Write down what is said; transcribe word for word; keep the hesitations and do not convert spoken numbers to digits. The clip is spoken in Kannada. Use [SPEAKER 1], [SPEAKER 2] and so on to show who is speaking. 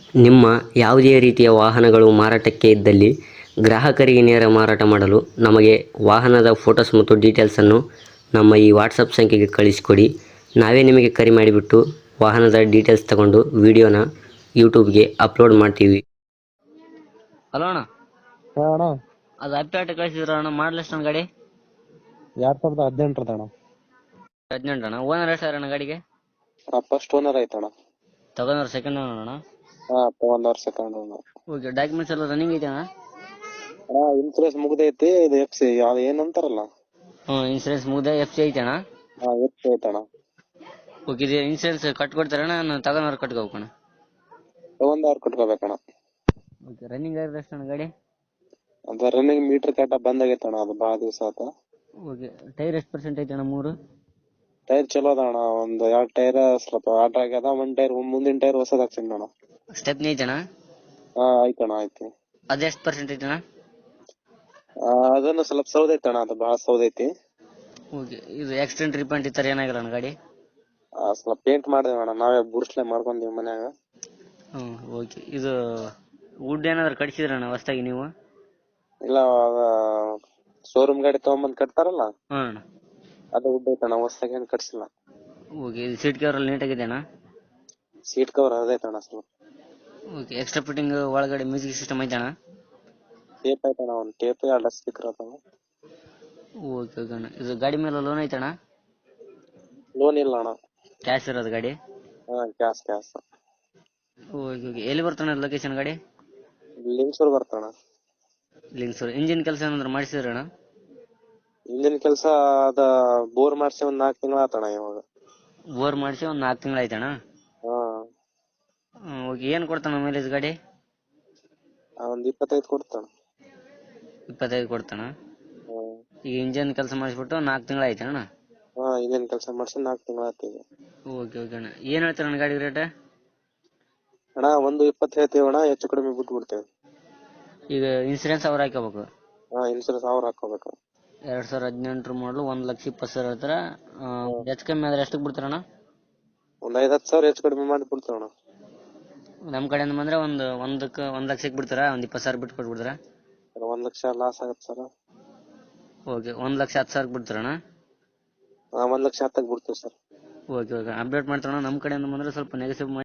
[SPEAKER 1] ನಿಮ್ಮ ಯಾವುದೇ ರೀತಿಯ ವಾಹನಗಳು ಮಾರಾಟಕ್ಕೆ ಇದ್ದಲ್ಲಿ ಗ್ರಾಹಕರಿಗೆ ನೇರ ಮಾರಾಟ ಮಾಡಲು ನಮಗೆ ವಾಹನದ ಫೋಟೋಸ್ ಮತ್ತು ಡೀಟೇಲ್ಸನ್ನು ನಮ್ಮ ಈ ವಾಟ್ಸಪ್ ಸಂಖ್ಯೆಗೆ ಕಳಿಸಿಕೊಡಿ. ನಾವೇ ನಿಮಗೆ ಕರೆ ಮಾಡಿಬಿಟ್ಟು ವಾಹನದ ಡೀಟೇಲ್ಸ್ ತಗೊಂಡು ವಿಡಿಯೋನ ಯೂಟ್ಯೂಬ್ಗೆ ಅಪ್ಲೋಡ್ ಮಾಡ್ತೀವಿ.
[SPEAKER 2] ಹಲೋ ಅಣ್ಣ,
[SPEAKER 3] ಹಾ ಅಣ್ಣ,
[SPEAKER 2] ಅದು ಅಪ್ಡೇಟ್ ಕಳಿಸಿದ್ರ ಅಣ್ಣ, ಮಾಡಲ್ ಎಷ್ಟು ಗಾಡಿ?
[SPEAKER 3] ಎರಡ್ ಸಾವಿರದ ಹದಿನೆಂಟರದ ಅಣ್ಣ.
[SPEAKER 2] ಹದಿನೆಂಟು ಅಣ್ಣ. ಓನರ್ ಎಷ್ಟು ಅಣ್ಣ ಗಾಡಿಗೆ?
[SPEAKER 3] ಫಸ್ಟ್ ಓನರ್ ಐತಣ್ಣ.
[SPEAKER 2] ತಗೊಂಡ್ರ ಸೆಕೆಂಡ್ ಓನರ್ ಅಣ್ಣ?
[SPEAKER 3] ಹಾ ತಗೊಂಡವ್ರ ಸೆಕೆಂಡ್ ಓನರ್.
[SPEAKER 2] ಓಕೆ, ಡಾಕ್ಯುಮೆಂಟ್ಸ್ ಎಲ್ಲ ರನ್ನಿಂಗ್ ಐತೆ ಅಣ್ಣ?
[SPEAKER 3] ಹಾ ಇನ್ಸೂರೆನ್ಸ್ ಮುಗ್ದೈತಿ. ಇದು ಎಫ್ ಸಿ ಯಾವ್ದು ಏನಂತಾರಲ್ಲ,
[SPEAKER 2] ಹ್ಞೂ ಇನ್ಸೂರೆನ್ಸ್ ಮುಗ್ದೆ, ಎಫ್ ಸಿ ಐತೆ ಅಣ್ಣ?
[SPEAKER 3] ಹಾ ಎಫ್ ಸಿ ಐತಣ್ಣ.
[SPEAKER 2] ಓಕೆ, ಇದು ಇನ್ಸೂರೆನ್ಸ್ ಕಟ್ಕೊಡ್ತಾರಣ್ಣ, ನಾನು ತಗೊಂಡವ್ರು ಕಟ್ಕೋಬೇಕಣ್ಣ?
[SPEAKER 3] ತಗೊಂಡವ್ರ ಕಟ್ಕೋಬೇಕಣ್ಣ.
[SPEAKER 2] ಓಕೆ, ರನ್ನಿಂಗ್ ಆಗಿದ್ರೆ ಎಷ್ಟು ಅಣ್ಣ ಗಾಡಿ?
[SPEAKER 3] ಅದ ರನ್ನಿಂಗ್ ಮೀಟರ್ ಕಾಟ ಬಂದಾಗೈತಣ್ಣ, ಅದು ಭಾಳ ದಿವಸ ಆತ.
[SPEAKER 2] ಓಕೆ, ಟೈರ್ ಎಷ್ಟು ಪರ್ಸೆಂಟ್ ಐತೆ ಅಣ್ಣ? ಮೂರು
[SPEAKER 3] ಟೈರ್ ಚಲೋ ಅದ ಅಣ್ಣ. ಒಂದ್ ಎರಡ್ ಟೈರ್ ಸ್ವಲ್ಪ ಆಟ ಆಗ್ಯದ, ಒಂದ್ ಟೈರ್ ಮುಂದಿನ ಟೈರ್ ಹೊಸದ್ ಹಾಕ್ಸಿನಿ ಅಣ್ಣ.
[SPEAKER 2] ಸ್ಟೆಪ್ನಿ ಐತೆ ಅಣ್ಣ?
[SPEAKER 3] ಹಾ ಆಯ್ತಣ್ಣ, ಐತಿ.
[SPEAKER 2] ಅದೆಷ್ಟು ಪರ್ಸೆಂಟ್ ಐತೆ ಅಣ್ಣ?
[SPEAKER 3] ಆ, ಅದನ್ನು ಸ್ವಲ್ಪ ಸೌದೈತಣ್ಣ, ಅದು ಭಾಳ ಸೌದೈತಿ.
[SPEAKER 2] ಓಕೆ, ಇದು ಆಕ್ಸಿಡೆಂಟ್ ರಿಪೇಂಟ್ ಈ ಥರ ಏನಾಗಿಲ್ಲ ಅಣ್ಣ ಗಾಡಿ?
[SPEAKER 3] ಆ, ಸ್ವಲ್ಪ ಪೇಂಟ್ ಮಾಡಿದೇವ ಅಣ್ಣ, ನಾವೇ ಬುರ್ಸ್ಲೆ ಮಾಡ್ಕೊಂತೀವಿ ಮನ್ಯಾಗ.
[SPEAKER 2] ಹ್ಞೂ ಓಕೆ, ಇದು ವುಡ್ ಏನಾದ್ರು ಕಟ್ಸಿದ್ರಣ್ಣ ಹೊಸ್ದಾಗಿ ನೀವು?
[SPEAKER 3] ಇಲ್ಲ, ಶೋರೂಮ್ ಗಾಡಿ ತಗೊಂಬಂದ್ ಕಟ್ತಾರಲ್ಲ,
[SPEAKER 2] ಹಾಂ ಅಣ್ಣ.
[SPEAKER 3] ಅದು ಉಡ್ ಐತಣ್ಣ, ಹೊಸ್ದಾಗಿ ಏನ್ ಕಟ್ಸಿಲ್ಲ.
[SPEAKER 2] ಓಕೆ, ಇದು ಸೀಟ್ ಕವರ್ ಎಲ್ಲ ನೀಟಾಗಿದೆ ಅಣ್ಣ?
[SPEAKER 3] ಸೀಟ್ ಕವರ್ ಅದೈತಣ್ಣ ಸ್ವಲ್ಪ.
[SPEAKER 2] ಓಕೆ, ಎಕ್ಸ್ಟ್ರಾ ಫಿಟ್ಟಿಂಗ್ ಒಳಗಡೆ ಮ್ಯೂಸಿಕ್ ಸಿಸ್ಟಮ್ ಐತೆ ಅಣ್ಣ?
[SPEAKER 3] ಟೇಪ್ ಐತಣ್ಣ, ಒಂದ್ ಟೇಪ್ ಎರಡು ಸ್ಪೀಕರ್ ಅದಾವ.
[SPEAKER 2] ಓಕೆ ಓಕೆ ಅಣ್ಣ. ಇದು ಗಾಡಿ ಮೇಲೆ ಲೋನ್ ಐತೆ ಅಣ್ಣ?
[SPEAKER 3] ಲೋನ್ ಇಲ್ಲ ಅಣ್ಣ.
[SPEAKER 2] ಕ್ಯಾಶ್ ಇರೋದು ಗಾಡಿ?
[SPEAKER 3] ಹಾ ಕ್ಯಾಶ್ ಕ್ಯಾಶ್.
[SPEAKER 2] ಓಕೆ ಓಕೆ, ಎಲ್ಲಿ ಬರ್ತಾನೆ ಲೊಕೇಶನ್ ಗಾಡಿ?
[SPEAKER 3] ಲಿಂಗ್ಸೂರ್ ಬರ್ತಣ್ಣ.
[SPEAKER 2] ಲಿಂಗ್ಸೂರ್. ಇಂಜಿನ್ ಕೆಲಸ ಏನಾದ್ರು ಮಾಡಿಸಿದ್ರಣ್ಣ?
[SPEAKER 3] ಇಂಜಿನ್ ಕೆಲಸ ಅದ ಬೋರ್ ಮಾಡ್ಸಿ ಒಂದ್ ನಾಲ್ಕು ತಿಂಗಳ ಆತಣ್ಣ ಇವಾಗ.
[SPEAKER 2] ಬೋರ್ ಮಾಡಿಸಿ ಒಂದು ನಾಲ್ಕು ತಿಂಗಳು ಆಯ್ತಣ್ಣ?
[SPEAKER 3] ಹಾ
[SPEAKER 2] ಓಕೆ, ಏನು ಕೊಡ್ತಾನ ಮೈಲೇಜ್ ಗಾಡಿ?
[SPEAKER 3] ಒಂದ್ ಇಪ್ಪತ್ತೈದು ಕೊಡ್ತಾನ.
[SPEAKER 2] ಇಪ್ಪತ್ತೈದು ಕೊಡ್ತಾನ?
[SPEAKER 3] ಹ್ಮ್.
[SPEAKER 2] ಈಗ ಇಂಜಿನ್ ಕೆಲಸ ಮಾಡಿಸ್ಬಿಟ್ಟು ನಾಲ್ಕು ತಿಂಗಳು ಆಯ್ತಣ್ಣ?
[SPEAKER 3] ಹಾ ಇಂಜಿನ್ ಕೆಲಸ ಮಾಡ್ಸಿ ನಾಲ್ಕು ತಿಂಗಳ ಆತ ಈಗ.
[SPEAKER 2] ಓಕೆ ಓಕೆ ಅಣ್ಣ. ಏನು ಹೇಳ್ತಾರಣ್ಣ ಗಾಡಿ ರೇಟ್?
[SPEAKER 3] ಅಣ್ಣ ಒಂದು ಇಪ್ಪತ್ತು ಹೇಳ್ತೀವಿ ಅಣ್ಣ, ಹೆಚ್ಚು ಕಡಿಮೆ ಬಿಟ್ಟು ಬಿಡ್ತೇವೆ.
[SPEAKER 2] ಈಗ ಇನ್ಸೂರೆನ್ಸ್ ಅವ್ರು ಹಾಕೋಬೇಕು?
[SPEAKER 3] ಹಾ ಇನ್ಸೂರೆನ್ಸ್ ಅವ್ರು ಹಾಕೋಬೇಕು.
[SPEAKER 2] ಎರಡ್ ಸಾವಿರದ ಹದಿನೆಂಟರ ಮಾಡಲು ಒಂದ್ ಲಕ್ಷ ಇಪ್ಪತ್ತು ಸಾವಿರ ಹೇಳ್ತಾರ. ಹೆಚ್ಚು ಕಮ್ಮಿ ಆದ್ರೆ ಎಷ್ಟಕ್ಕೆ ಬಿಡ್ತಾರಣ್ಣ?
[SPEAKER 3] ಒಂದ್ ಐದ್ ಹತ್ತು ಸಾವಿರ ಹೆಚ್ಚು ಕಡಿಮೆ ಮಾಡಿ ಬಿಡ್ತೇವಣ್ಣ.
[SPEAKER 2] ನಮ್ಮ ಕಡೆಯಿಂದ ಬಂದ್ರೆ ಒಂದು ಒಂದಕ್ಕೆ ಒಂದ್ ಲಕ್ಷಕ್ಕೆ ಬಿಡ್ತಾರ? ಒಂದ್ ಇಪ್ಪತ್ತು ಸಾವಿರ ಬಿಟ್ಟು ಕೊಟ್ಬಿಡ್ತಾರ?
[SPEAKER 3] ಒಂದ್ ಲಕ್ಷ ಲಾಸ್ ಆಗತ್ತೆ ಸರ್.
[SPEAKER 2] ಓಕೆ, ಒಂದ್ ಲಕ್ಷ ಹತ್ತು ಸಾವಿರ ಬಿಡ್ತಾರಣ್ಣ?
[SPEAKER 3] ಹಾ ಒಂದ್ ಲಕ್ಷ ಹತ್ತಕ್ಕೆ ಬಿಡ್ತೇವೆ ಸರ್.
[SPEAKER 2] ಓಕೆ ಓಕೆ, ಅಪ್ಡೇಟ್ ಮಾಡ್ತಾರಣ್ಣ. ನಮ್ಮ ಕಡೆಯಿಂದ ಬಂದ್ರೆ ಸ್ವಲ್ಪ ನೆಗೆಸಿವ್ ಮಾಡಿ